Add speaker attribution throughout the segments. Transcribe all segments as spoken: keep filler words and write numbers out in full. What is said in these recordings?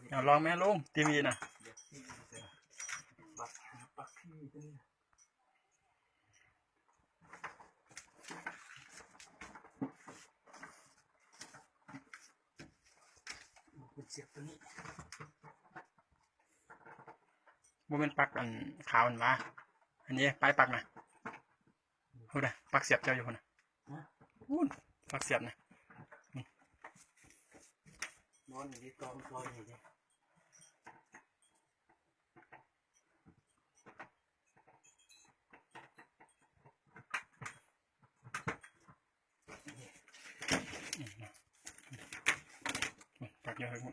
Speaker 1: เอาลองแม่ลุงทีวีนะ
Speaker 2: บักบักพี่เป็นเสียบตัวนี้
Speaker 1: บ่เป็นปักอันขาวอันว่าอันนี้ปลายปักนะพูดนะปักเสียบเจ้าอยู่คนนะพูดปักเสียบนะ
Speaker 2: นอนอยู่ที่กองกองอยู่ที่
Speaker 1: ปักเยอะเลยหมด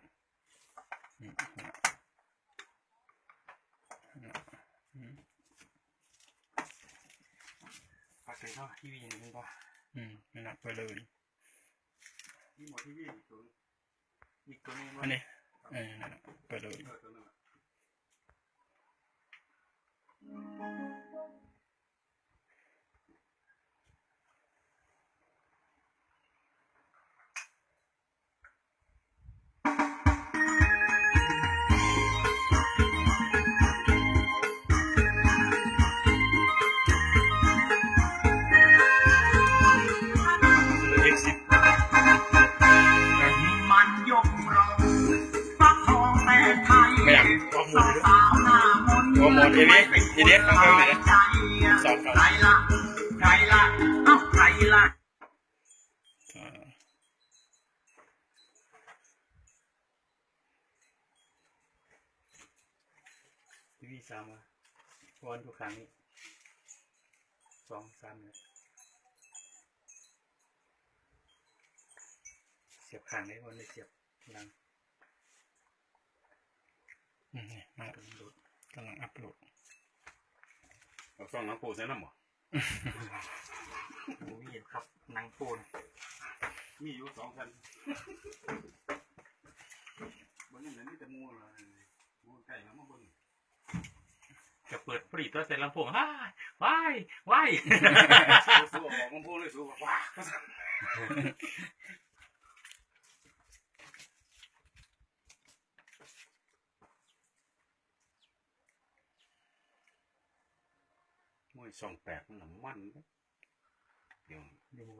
Speaker 2: ปักเลยเนาะทีวีนี่เป็นป่ะ
Speaker 1: อืมไม่นับไปเลย
Speaker 2: นี่หมดทีวีอีกตัวอีกตัวนึง
Speaker 1: อันนี้เออนั่นแหละไปเลยโอ้โหเอวีทีเด็ดข้างๆเลยสองเขา
Speaker 2: ใครละใครละเอ้าใครละทีวีสามอ่ะวันทุกครั้งนี้สองสามเลยเสียบข้างได้วันเลยเสียบหลัง
Speaker 1: อืมนี่มาดูกำลังอัพโหลด
Speaker 3: เอาซ่องน้ำปูใส่น้ำหรอ
Speaker 2: โอ้ยครับนังปูน
Speaker 3: มีอยู่สองพันบนนี้นี่แต่มูเลยมูไก่แล้วมาบน
Speaker 2: จะเปิดผลิตตัวเสร็จลำโพงว้ายว้ายว้าย
Speaker 3: สู้ออกลำโพงเลยสู้ว้าไม่ส่องแปดมันมันเดี๋ยว
Speaker 2: เดี๋ยว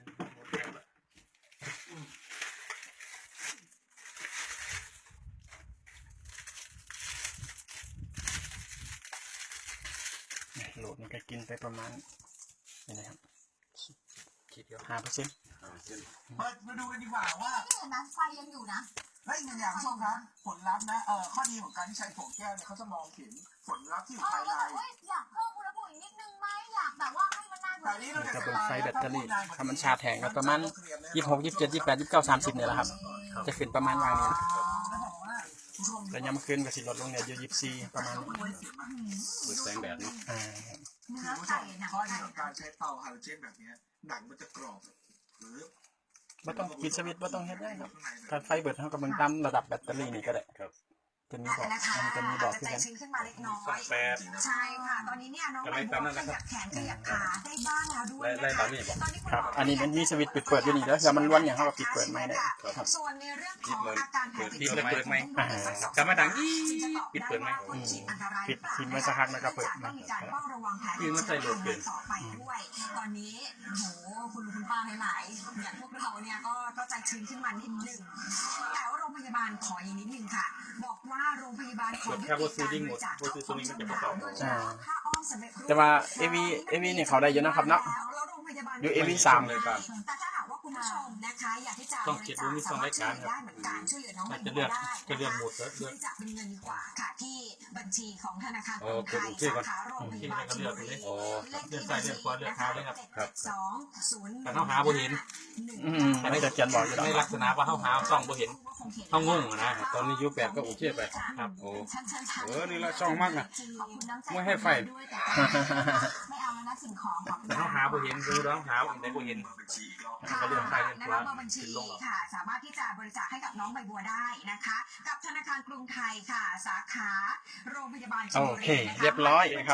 Speaker 1: โหลดมันก็กินไปประมาณนี่นะครับ
Speaker 2: คิดเดียว
Speaker 1: ห้าเปอร์เซ็นต์
Speaker 4: มาดูกันดีกว่าว่า
Speaker 5: ที่เห็นนะไฟยังอยู่นะ
Speaker 4: เฮ้ยหนึ่งอย่างผู้ชมครับผลลัพธ์นะเอ่อข้อดีของการที่ใช้โถแก้วเนี่ยเขาจะมองเห็นผลลัพธ์ที่อยู่ภายใน
Speaker 5: อยากเพิ่มอุณหภูมินิดนึงไหมอยากแบบว่าให้มันน่า
Speaker 4: แต่นี้เราจะ
Speaker 1: จะเป็นไฟแบตเตอรี่ถ้ามันชาร์จแทงก็ประมาณยี่สิบหกยี่สิบเจ็ดยี่สิบแปดยี่สิบเก้าสามสิบเนี่ยแหละครับจะขึ้นประมาณวันนี้แต่ยังไม่ขึ้นก็สิลดลงเนี่ยอยู่ยี่สิบสี่ประมาณ
Speaker 3: เปิดแสงแดดนี่
Speaker 1: อ่า
Speaker 5: เนื้อไก่หนัง
Speaker 4: ข้อดี
Speaker 5: ไก่
Speaker 4: ของการใช้เตาไฮโดรเจนแบบนี้หนังมันจะกรอบหรือ
Speaker 1: ไม่ต้องปิดสวิตช์ไม่ต้องเฮ็ดได้ครับถ้าไฟเบิดเท่ากับมันตามระดับแบตเตอรี่นี่ก็ได้
Speaker 3: ครับ
Speaker 1: จะมีบอก
Speaker 5: มัน
Speaker 1: จะมีบอกที่
Speaker 5: ใจ
Speaker 1: กัน
Speaker 5: ชื้นขึ้นมาเล็กน้อย
Speaker 3: แปด
Speaker 5: ใช่ค่ะตอนนี้เนี่ยน้องใบบัวขยับแขนขยับขาได้บ้างแล้วด้วยนะคะตอนนี้
Speaker 1: ครับอันนี้มันมีสวิตช์ปิดเปิดอยู่นี่แล้วถ้ามันล้วนอย่างเขาก็ปิดเปิดไม่ได้
Speaker 5: ครับส่วนในเรื่องของอาการแผลติดเชื้อ
Speaker 2: เปิดไหมกลับมาดังยี่ปิดเปิดไหม
Speaker 1: ปิดทิ้งไว้สักพักแล้วก็เปิด
Speaker 5: ต้องมีการเฝ้าระวังแผลติดเชื้อต่อไปด้วยตอนนี้โหคุณลุงคุณป้าหลายๆอย่างพวกเราเนี่ยก็ก็ใจชื้นขึ้นมานิดนึงแต่ว่าโรงพยาบาลขออีกนิดนึงค่ะบอกว่าโรงพยาบาลขอยุติการบริจาคของจำหน่ายโดยเฉพาะผ้าอ้อมสำเร็จรูป
Speaker 1: แต่ว่าเอวีเอวีเนี่ยเขาได้เยอะนะครับเนาะอยู่เอวีสาม
Speaker 5: เลยครับแต่ถ้าหากว่าคุณผู้ชมนะคะอยากที่จะบริจาคสามารถช่วยได้เหมือนกันช่วยเหลือน้องใบบัวได้นะคะบริจาคเป็นเงินดีกว่าค่ะที่บัญชีของธนาคารกรุงไทยสาขาโรงพยาบาลชลบุรีเลขที่บัญชีนะคะเจ็ดสองศูนย์
Speaker 2: แต่เขาหาบ่เห็น
Speaker 1: อันนี้จะเขียนบอกอยู่
Speaker 2: ในลักษณะว่าเขาหาซ่องบ่เห็นเขางงนะ
Speaker 3: ตอนนี้ยูแปดก็โอเคไป
Speaker 2: ครับ
Speaker 3: โอ้เออนี่ละช่องมากนะไม่ให้ไฟ
Speaker 5: ไม่เอาแล้วนะสิ่งของ
Speaker 2: แต่เขาหาบ่เห็นคือร้องหาอันใดบ่เห็น
Speaker 5: เขาเรื่องใครเรื่องตัวบัญชีค่ะสามารถที่จะบริจาคให้กับน้องใบบัวได้นะคะกับธนาคารกรุงไทยค่ะสาขาโรงพยาบาลชลบุรี
Speaker 1: โอเคเรียบร้อยครับ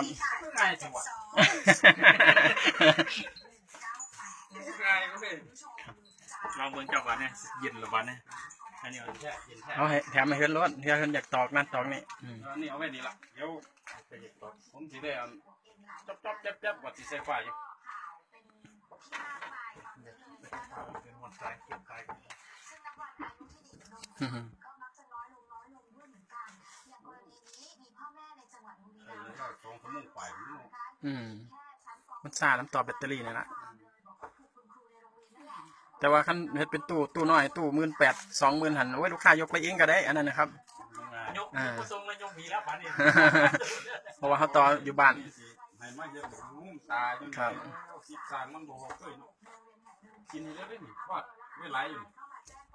Speaker 2: ลองเบิ่งจังหวะเนี่ยเย็นหรือวันเนี่ยอันนี้เอาแช่เย็นแช่
Speaker 1: เอาให้แถมให้เฮือนรถเฮือนเฮือนอยากตอกนั่นตอกนี่อืม
Speaker 3: อันนี้เอาไว้นี่ละเดี๋ยว
Speaker 2: ไปเย็นต่อ
Speaker 3: ผมสิได้เอาจ๊อบจ๊อบแจ๊บแจ๊บวัดสิใส่ไฟอยู่
Speaker 2: เป็นวันตายเก็บตาย
Speaker 1: อืม
Speaker 5: ก็มักจะน้อยลงน้อยลงด้วยเหมือนกันอย่างกรณีนี้มีพ่อแม่ในจังหวัดบุรี
Speaker 3: เอ
Speaker 5: รั
Speaker 3: อ
Speaker 5: มย์
Speaker 3: แล้วสองชั่วโมงไปมัน
Speaker 1: อืม
Speaker 5: แค่ชั้นป
Speaker 1: มันซ่าน้ำต่อแบตเตอรี่นี่ละ
Speaker 5: บอกว่าถูกคุณครูในโรงเรียนนั่นแหละ
Speaker 1: แต่ว่าคันเฮ็ดเป็นตู้ตู้น้อยตู้หมื่นแปดสองหมื่นหันโอ้ยลูกค้ายกไปเองก็ได้อันนั้นนะครับ
Speaker 3: ง่าย
Speaker 2: ยกยกทรงเลยยกผีแล้วป่านนี้
Speaker 1: เพราะว่าเขาต่ออยู่บ้าน
Speaker 3: ให้มาเยอะงุ้มตาจน
Speaker 1: ครับ
Speaker 3: คิดสร้างมันบ่เคยเนาะกินแล้วได้นี่ว่าไม่ไหลอยู่
Speaker 5: ก็